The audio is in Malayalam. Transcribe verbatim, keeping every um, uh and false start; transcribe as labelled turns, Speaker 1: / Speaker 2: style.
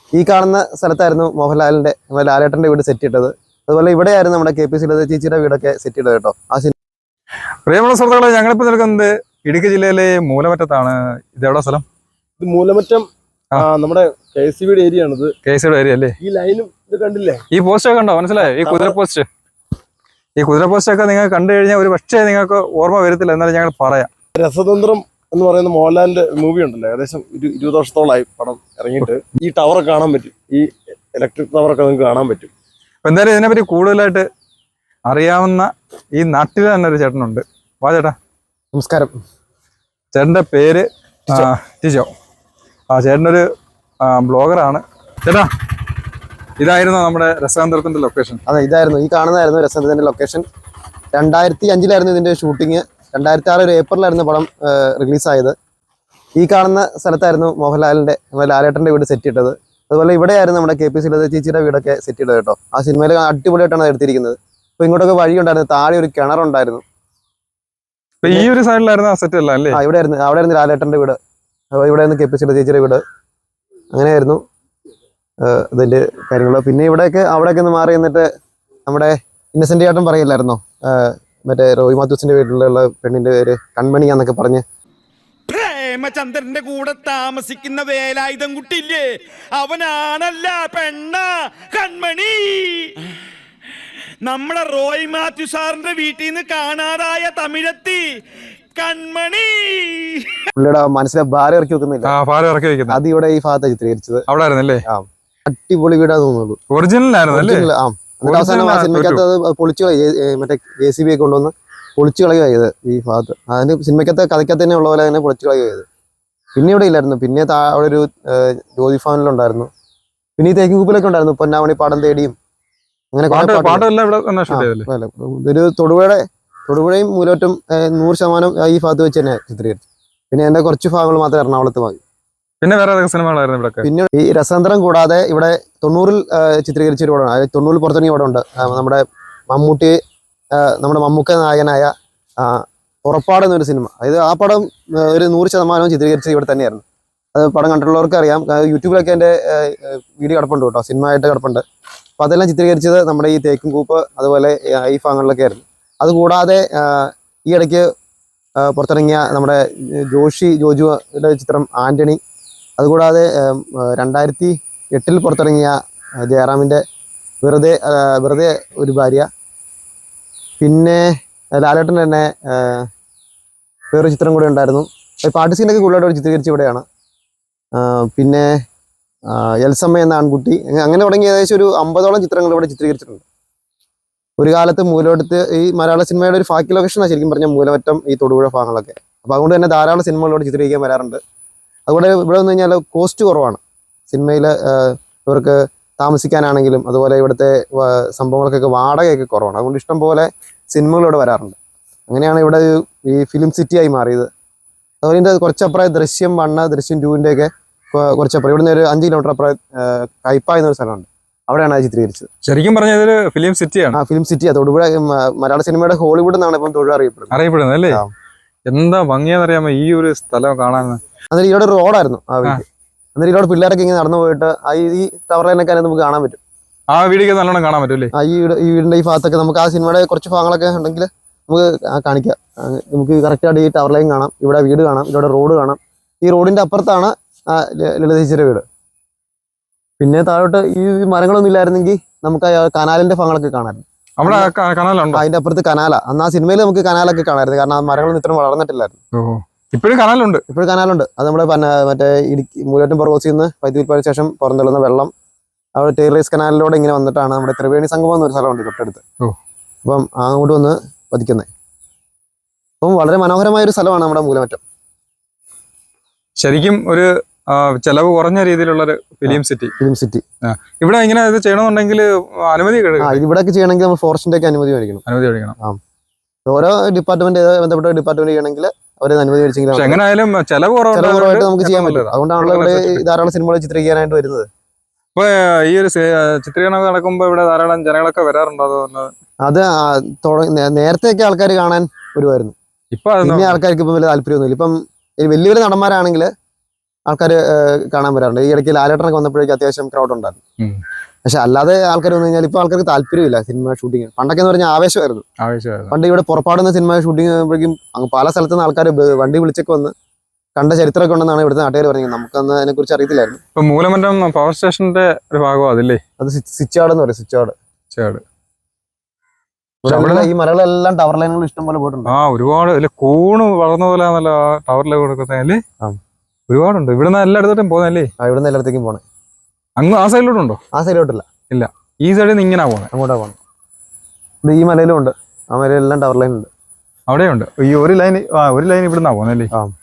Speaker 1: ഈ കാണുന്ന സ്ഥലത്തായിരുന്നു മോഹൻലാലിന്റെ ലാലേട്ടന്റെ വീട് സെറ്റ് ഇട്ടത്. അതുപോലെ ഇവിടെയായിരുന്നു നമ്മുടെ കെ പി സുലത ചേച്ചിയുടെ വീടൊക്കെ സെറ്റ് ചെയ്തത് കേട്ടോ. ആ സിനിമ
Speaker 2: പ്രിയമുള്ള സുഹൃത്തുക്കളെ, ഞങ്ങളിപ്പോൾ നിൽക്കുന്നത് ഇടുക്കി ജില്ലയിലെ മൂലമറ്റത്താണ്. ഇത് എവിടെ സ്ഥലം?
Speaker 3: ഇത് മൂലമറ്റം നമ്മുടെ കെ സി ബിയുടെ ഏരിയ ആണ്.
Speaker 2: കെ സി ബിയുടെ ഏരിയ അല്ലേ?
Speaker 3: ഈ ലൈനും ഇത് കണ്ടില്ലേ?
Speaker 2: ഈ പോസ്റ്റ് ഒക്കെ കണ്ടോ? മനസ്സിലായോ? ഈ കുതിര പോസ്റ്റ് ഈ കുതിര പോസ്റ്റ് ഒക്കെ നിങ്ങൾ കണ്ടു കഴിഞ്ഞാൽ ഒരു പക്ഷേ നിങ്ങൾക്ക് ഓർമ്മ വരത്തില്ല, എന്നാലും ഞങ്ങൾ പറയാം.
Speaker 3: രസതന്ത്രം എന്ന് പറയുന്ന മോഹൻലാലിന്റെ മൂവി ഉണ്ടല്ലോ, ഏകദേശം ഒരു ഇരുപത് വർഷത്തോളമായി പടം ഇറങ്ങിയിട്ട്. ഈ ടവറൊക്കെ കാണാൻ പറ്റും, ഈ ഇലക്ട്രിക് ടവറൊക്കെ നിങ്ങൾക്ക് കാണാൻ പറ്റും.
Speaker 2: അപ്പൊ എന്തായാലും ഇതിനെപ്പറ്റി കൂടുതലായിട്ട് അറിയാവുന്ന ഈ നാട്ടിൽ തന്നെ ഒരു ചേട്ടനുണ്ട്. വാ ചേട്ടാ.
Speaker 1: നമസ്കാരം.
Speaker 2: ചേട്ടന്റെ പേര് ടിജോ. ആ ചേട്ടനൊരു ബ്ലോഗറാണ്. ചേട്ടാ, ഇതായിരുന്നു നമ്മുടെ രസതന്ത്രത്തിന്റെ ലൊക്കേഷൻ.
Speaker 1: അതെ, ഇതായിരുന്നു, ഈ കാണുന്നതായിരുന്നു രസതന്ത്രത്തിന്റെ ലൊക്കേഷൻ. രണ്ടായിരത്തി അഞ്ചിലായിരുന്നു ഇതിന്റെ ഷൂട്ടിങ്. രണ്ടായിരത്തി ആറ് ഒരു ഏപ്രിലായിരുന്നു പടം റിലീസായത്. ഈ കാണുന്ന സ്ഥലത്തായിരുന്നു മോഹൻലാലിന്റെ ലാലേട്ടന്റെ വീട് സെറ്റ് ഇട്ടത്. അതുപോലെ ഇവിടെയായിരുന്നു നമ്മുടെ കെ പി സുലത ചേച്ചിയുടെ വീടൊക്കെ സെറ്റ് ചെയ്തത് കേട്ടോ. ആ സിനിമയിൽ അടിപൊളിയായിട്ടാണ് എടുത്തിരിക്കുന്നത്. അപ്പൊ ഇങ്ങോട്ടൊക്കെ വഴിയുണ്ടായിരുന്നു, താഴെ ഒരു കിണറുണ്ടായിരുന്നു.
Speaker 2: ഈ ഒരു സൈഡിലായിരുന്നു ആ സെറ്റ് അല്ല അല്ലേ?
Speaker 1: ആ, ഇവിടെ ആയിരുന്നു, അവിടെ ആയിരുന്നു ലാലേട്ടന്റെ വീട്. ഇവിടെ ആയിരുന്നു കെ പി സുലത ചേച്ചിയുടെ വീട്. അങ്ങനെയായിരുന്നു അതിന്റെ കാര്യങ്ങൾ. പിന്നെ ഇവിടെയൊക്കെ അവിടെയൊക്കെ ഒന്ന് മാറി നിന്നിട്ട് നമ്മുടെ ഇന്നസെന്റ് ചേട്ടൻ പറയില്ലായിരുന്നോ, മറ്റേ റോയ് മാത്യൂസിന്റെ വീട്ടിലുള്ള പെണ്ണിന്റെ പേര് കൺമണിയാന്നൊക്കെ പറഞ്ഞ്.
Speaker 4: പ്രേമചന്ദ്രന്റെ കൂടെ താമസിക്കുന്ന വേലായുധം കുട്ടിയില്ലേ, അവനാണല്ല പെണ്ണ കൺമണി. നമ്മളെ റോയ് മാത്യു സാറിന്റെ വീട്ടിൽ നിന്ന് കാണാതായ തമിഴത്തി കൺമണി.
Speaker 1: പുള്ളിയുടെ മനസ്സിലെ ഭാരം ഇറക്കി വെക്കുന്നില്ല, അത് ഇവിടെ ഈ ഭാഗത്ത് ചിത്രീകരിച്ചത്.
Speaker 2: അവിടെ ആയിരുന്നല്ലേ?
Speaker 1: ആ, അടിപൊളി വീടാ തോന്നുള്ളൂ.
Speaker 2: ഒറിജിനൽ ആയിരുന്നു.
Speaker 1: ആ, എന്നിട്ട് അവസാനം ആ സിനിമയ്ക്കകത്ത് അത് പൊളിച്ചു കളയും, മറ്റേ ജെ സി ബി ഒക്കെ കൊണ്ടുവന്ന് പൊളിച്ചു കളയുക ചെയ്ത് ഈ ഭാഗത്ത്. അതിന് സിനിമയ്ക്കകത്ത് കഥയ്ക്കകത്ത് തന്നെ ഉള്ള പോലെ തന്നെ പൊളിച്ചു കളയുക ചെയ്ത്. പിന്നെ ഇവിടെ ഇല്ലായിരുന്നു. പിന്നെ അവിടെ ഒരു ജ്യോതി ഫാനിലുണ്ടായിരുന്നു. പിന്നെ ഈ തേക്കിൻകൂപ്പിലൊക്കെ ഉണ്ടായിരുന്നു, പൊന്നാമണി പാടം തേടിയും. അങ്ങനെ ഇതൊരു തൊടുപുഴയുടെ തൊടുപുഴയും മൂലോറ്റും നൂറ് ശതമാനം ഈ ഭാഗത്ത് വെച്ച് തന്നെ ചിത്രീകരിച്ചു. പിന്നെ എന്റെ കുറച്ച് ഭാഗങ്ങൾ മാത്രം എറണാകുളത്ത് വാങ്ങി.
Speaker 2: പിന്നെ വേറെ സിനിമകളായിരുന്നു ഇവിടെ? പിന്നെ
Speaker 1: ഈ രസതന്ത്രം കൂടാതെ ഇവിടെ തൊണ്ണൂറിൽ ചിത്രീകരിച്ച ഒരു പടമാണ്, അതായത് തൊണ്ണൂറിൽ പുറത്തിറങ്ങിയ പടമുണ്ട്. നമ്മുടെ മമ്മൂട്ടി, നമ്മുടെ മമ്മൂക്ക നായകനായ പുറപ്പാട് എന്നൊരു സിനിമ. അതായത് ആ പടം ഒരു നൂറ് ശതമാനവും ചിത്രീകരിച്ചത് ഇവിടെ തന്നെയായിരുന്നു. അത് പടം കണ്ടിട്ടുള്ളവർക്ക് അറിയാം. യൂട്യൂബിലൊക്കെ എൻ്റെ വീഡിയോ കിടപ്പുണ്ട് കേട്ടോ, സിനിമ ആയിട്ട് കിടപ്പുണ്ട്. അപ്പോൾ അതെല്ലാം ചിത്രീകരിച്ചത് നമ്മുടെ ഈ തേക്കിൻകൂപ്പ് അതുപോലെ ഈ ഭാഗങ്ങളിലൊക്കെ ആയിരുന്നു. അതുകൂടാതെ ഈ ഇടയ്ക്ക് പുറത്തിറങ്ങിയ നമ്മുടെ ജോഷി ജോജുയുടെ ചിത്രം ആൻ്റണി, അതുകൂടാതെ രണ്ടായിരത്തി എട്ടിൽ പുറത്തിറങ്ങിയ ജയറാമിൻ്റെ വെറുതെ വെറുതെ ഒരു ഭാര്യ, പിന്നെ ലാലേട്ടൻ തന്നെ വേറൊരു ചിത്രം കൂടെ ഉണ്ടായിരുന്നു. പാട്ട് സീനൊക്കെ കൂടുതലായിട്ട് ചിത്രീകരിച്ച് ഇവിടെയാണ്. പിന്നെ എൽസമ്മ എന്ന ആൺകുട്ടി, അങ്ങനെ തുടങ്ങി ഏകദേശം ഒരു അമ്പതോളം ചിത്രങ്ങൾ ഇവിടെ ചിത്രീകരിച്ചിട്ടുണ്ട്. ഒരു കാലത്ത് മൂലമറ്റത്ത് ഈ മലയാള സിനിമയുടെ ഒരു ഫാക്കി ലൊക്കേഷനാണ് ശരിക്കും പറഞ്ഞാൽ മൂലമറ്റം, ഈ തൊടുപുഴ ഭാഗങ്ങളൊക്കെ. അപ്പോൾ അതുകൊണ്ട് തന്നെ ധാരാളം സിനിമകളോട് ചിത്രീകരിക്കാൻ വരാറുണ്ട്. അതുകൊണ്ട് ഇവിടെ വന്നു കഴിഞ്ഞാൽ കോസ്റ്റ് കുറവാണ് സിനിമയിൽ. ഇവർക്ക് താമസിക്കാനാണെങ്കിലും അതുപോലെ ഇവിടുത്തെ സംഭവങ്ങൾക്കൊക്കെ വാടകയൊക്കെ കുറവാണ്. അതുകൊണ്ട് ഇഷ്ടം പോലെ സിനിമകൾ ഇവിടെ വരാറുണ്ട്. അങ്ങനെയാണ് ഇവിടെ ഈ ഫിലിം സിറ്റിയായി മാറിയത്. അതുപോലെ ഇതിൻ്റെ കുറച്ചപ്പുറം ദൃശ്യം വണ്ണ് ദൃശ്യം ടൂവിൻ്റെ ഒക്കെ കുറച്ചപ്പുറം ഇവിടുന്ന് ഒരു അഞ്ച് കിലോമീറ്റർ അപ്പുറം കയ്പ എന്നൊരു സ്ഥലമുണ്ട്, അവിടെയാണ് അത് ചിത്രീകരിച്ചത്.
Speaker 2: ശരിക്കും പറഞ്ഞാൽ ഇതൊരു ഫിലിം സിറ്റിയാണ്.
Speaker 1: ആ, ഫിലിം സിറ്റിയാണ് തൊടുപുഴ. മലയാള സിനിമയുടെ ഹോളിവുഡ് എന്നാണ് ഇപ്പം തൊഴിൽ അറിയപ്പെടുന്നത്
Speaker 2: അറിയപ്പെടുന്നത് അല്ലേ? എന്താ ഭംഗിയാന്നറിയാമോ ഈ ഒരു സ്ഥലം കാണാൻ.
Speaker 1: അന്നേരം ഇവിടെ ഒരു റോഡായിരുന്നു ആ വീട്ടിൽ. അന്നേരം ഇവിടെ പിള്ളേരൊക്കെ ഇങ്ങനെ നടന്നു പോയിട്ട് ഈ ടവർ ലൈനൊക്കെ നമുക്ക് കാണാൻ പറ്റും.
Speaker 2: ആ വീടിയൊക്കെ നല്ലോണം കാണാൻ പറ്റും അല്ലേ?
Speaker 1: ആ, ഈ ഈ വീടിന്റെ ഈ ഭാഗത്തൊക്കെ നമുക്ക് ആ സിനിമയുടെ കുറച്ച് ഭാഗങ്ങളൊക്കെ ഉണ്ടെങ്കിൽ നമുക്ക് കാണിക്കാം. നമുക്ക് കറക്റ്റായിട്ട് ഈ ടവർ ലൈൻ കാണാം, ഇവിടെ വീട് കാണാം, ഇവിടെ റോഡ് കാണാം. ഈ റോഡിന്റെ അപ്പുറത്താണ് ലളിത ചേച്ചിയുടെ വീട്. പിന്നെ താഴോട്ട് ഈ മരങ്ങളൊന്നും ഇല്ലായിരുന്നെങ്കിൽ നമുക്ക് കനാലിന്റെ ഭാഗങ്ങളൊക്കെ കാണാമായിരുന്നു. അതിന്റെ അപ്പുറത്ത് കനാല. അന്ന് ആ സിനിമയിൽ നമുക്ക് കനാലൊക്കെ കാണാമായിരുന്നു, കാരണം ആ മരങ്ങളൊന്നും ഇത്രയും വളർന്നിട്ടില്ലായിരുന്നു.
Speaker 2: ഇപ്പോഴും കനാലുണ്ട്.
Speaker 1: ഇപ്പോഴും കനാലുണ്ട്. അത് നമ്മുടെ മറ്റേ ഇടുക്കി മൂലമറ്റം പുറകോസിൽ നിന്ന് വൈദ്യുതിപ്പാടിന് ശേഷം പുറന്തള്ളുന്ന വെള്ളം അവിടെ ടേറേസ് കനാലിലൂടെ ഇങ്ങനെ വന്നിട്ടാണ് നമ്മുടെ ത്രിവേണി സംഗമം എന്നൊരു സ്ഥലമുണ്ട് തൊട്ടടുത്ത്. അപ്പം അങ്ങോട്ട് വന്ന് പതിക്കുന്നത്. അപ്പം വളരെ മനോഹരമായ ഒരു സ്ഥലമാണ് നമ്മുടെ മൂലമറ്റം.
Speaker 2: ശരിക്കും ഒരു ചെലവ് കുറഞ്ഞ രീതിയിലുള്ള ഒരു ഫിലിം സിറ്റി.
Speaker 1: ഫിലിം സിറ്റി
Speaker 2: ഇവിടെ ഇങ്ങനെ ഇത് ചെയ്യണമെന്നുണ്ടെങ്കിൽ അനുമതി
Speaker 1: ഇവിടെയൊക്കെ ചെയ്യണമെങ്കിൽ നമ്മൾ ഫോറസ്റ്റിന്റെ ഒക്കെ അനുമതി മേടിക്കണം.
Speaker 2: അനുമതി മേടിക്കണം.
Speaker 1: ആ, ഓരോ ഡിപ്പാർട്ട്മെന്റ് ബന്ധപ്പെട്ട ഡിപ്പാർട്ട്മെന്റ് ചെയ്യണമെങ്കിൽ അവരെ അനുമതി മേടിച്ചെങ്കിൽ
Speaker 2: എങ്ങനെയായാലും ചെലവ്
Speaker 1: കുറവായിട്ട് നമുക്ക് ചെയ്യാൻ പറ്റും. അതുകൊണ്ടാണല്ലോ ഇവിടെ ധാരാളം സിനിമകൾ ചിത്രീകരിക്കാനായിട്ട് വരുന്നത്.
Speaker 2: ഇപ്പൊ ഈ ഒരു ചിത്രീകരണം നടക്കുമ്പോ ഇവിടെ ധാരാളം ജനങ്ങളൊക്കെ വരാറുണ്ടോ?
Speaker 1: അത് നേരത്തെയൊക്കെ ആൾക്കാർ കാണാൻ വരുമായിരുന്നു.
Speaker 2: ഇപ്പൊ
Speaker 1: പിന്നെ ആൾക്കാർക്ക് ഇപ്പം വലിയ താല്പര്യമൊന്നുമില്ല. ഇപ്പം വലിയ വലിയ നടന്മാരാണെങ്കിൽ ആൾക്കാർ കാണാൻ വരാറുണ്ട്. ഈ ഇടയ്ക്ക് ലാലേട്ടനൊക്കെ വന്നപ്പോഴേക്കും അത്യാവശ്യം ക്രൗഡ് ഉണ്ടായിരുന്നു.
Speaker 2: ഉം.
Speaker 1: പക്ഷെ അല്ലാതെ ആൾക്കാർ വന്നു കഴിഞ്ഞാൽ ഇപ്പൊ ആൾക്കാർക്ക് താല്പര്യമില്ല സിനിമ ഷൂട്ടിങ്. പണ്ടൊക്കെ എന്ന് പറഞ്ഞാൽ ആവേശമായിരുന്നു.
Speaker 2: ആവശ്യമായിരുന്നു.
Speaker 1: പണ്ട് ഇവിടെ പുറപ്പാടുന്ന സിനിമ ഷൂട്ടിങ് ആകുമ്പോഴേക്കും അങ്ങ് പല സ്ഥലത്തു നിന്ന് ആൾക്കാർ വണ്ടി വിളിച്ചൊക്കെ വന്ന് കണ്ട ചരിത്രമൊക്കെ ഉണ്ടെന്നാണ് ഇവിടുത്തെ നാട്ടുകാർ പറഞ്ഞത്. നമുക്കന്ന് അതിനെ കുറിച്ച് അറിയത്തില്ലായിരുന്നു.
Speaker 2: ഇപ്പൊ മൂലമറ്റം പവർ സ്റ്റേഷന്റെ ഒരു ഭാഗം അതില്ലേ?
Speaker 1: അത് സ്വിച്ചാർഡ് എന്ന് പറയും. സ്വിച്ചാർഡ്
Speaker 2: ചേട്
Speaker 1: ഇവിടെ ഈ മലകളെല്ലാം ടവർ ലൈനുകൾ ഇഷ്ടം പോലെ പോയിട്ടുണ്ട്.
Speaker 2: ആ ഒരുപാട് അല്ലെ കൂണ് വളർന്ന പോലെ നല്ല ടവറിലെ കൊടുക്കുന്നല്ലേ.
Speaker 1: ആ.
Speaker 2: ഒരുപാടുണ്ട്. ഇവിടുന്ന് എല്ലായിടത്തോട്ടും പോകുന്നല്ലേ?
Speaker 1: ആ ഇവിടുന്ന് എല്ലായിടത്തേക്കും പോണേ.
Speaker 2: അങ്ങ് ആ സൈഡിലോട്ടുണ്ടോ?
Speaker 1: ആ സൈഡിലോട്ടില്ല.
Speaker 2: ഇല്ല, ഈ സൈഡിൽ നിന്ന് ഇങ്ങനെ പോകുന്നത്.
Speaker 1: അങ്ങോട്ടാ പോകണം. ഇത് ഈ മലയിലും ഉണ്ട്. ആ മലയിലെല്ലാം ടവർ ലൈൻ ഉണ്ട്.
Speaker 2: അവിടെയുണ്ട്. ഈ ഒരു ലൈൻ ആ ഒരു ലൈൻ ഇവിടുന്നാ പോകുന്നല്ലേ?
Speaker 1: ആ